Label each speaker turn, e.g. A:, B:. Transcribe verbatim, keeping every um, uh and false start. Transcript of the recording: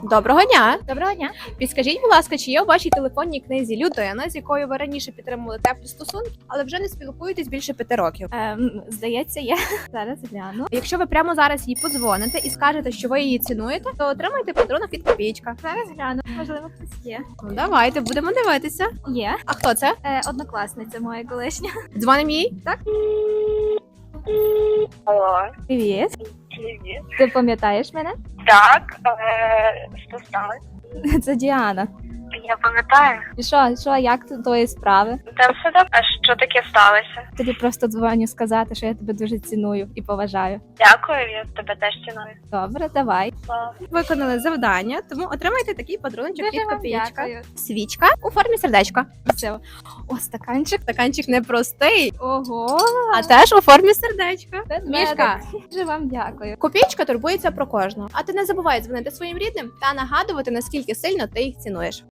A: Доброго дня!
B: Доброго дня.
A: Підскажіть, будь ласка, чи є у вашій телефонній книзі людина, з якою ви раніше підтримували теплі стосунки, але вже не спілкуєтесь більше п'яти років?
B: Ем, здається, є. Зараз гляну.
A: Якщо ви прямо зараз їй подзвоните і скажете, що ви її цінуєте, то отримаєте подарунок від копійка.
B: Зараз гляну. Можливо, хтось є.
A: Ну давайте, будемо дивитися.
B: Є.
A: А хто це?
B: Е, однокласниця моя колишня.
A: Дзвоним їй?
C: Алло,
B: Привіт.
C: привіт.
B: Ти пам'ятаєш мене?
C: Так, е, що сталося?
B: Це Діана.
C: Я пам'ятаю.
B: І що, що, як тут твої справи?
C: Там все добре. А що таке сталося?
B: Тобі просто дзвоню сказати, що я тебе дуже ціную і поважаю.
C: Дякую, я тебе теж ціную.
B: Добре, давай.
C: Слава.
A: Виконали завдання, тому отримайте такий подарунок від
B: Дуже вам
A: копійка.
B: дякую.
A: Свічка у формі сердечка.
B: Все. О, стаканчик.
A: Стаканчик не простий,
B: Ого.
A: а теж у формі сердечка.
B: Ведмедик.
A: Мішка.
B: Дуже вам дякую.
A: Копійка турбується про кожного. А ти не забувай дзвонити своїм рідним та нагадувати, наскільки сильно ти їх цінуєш.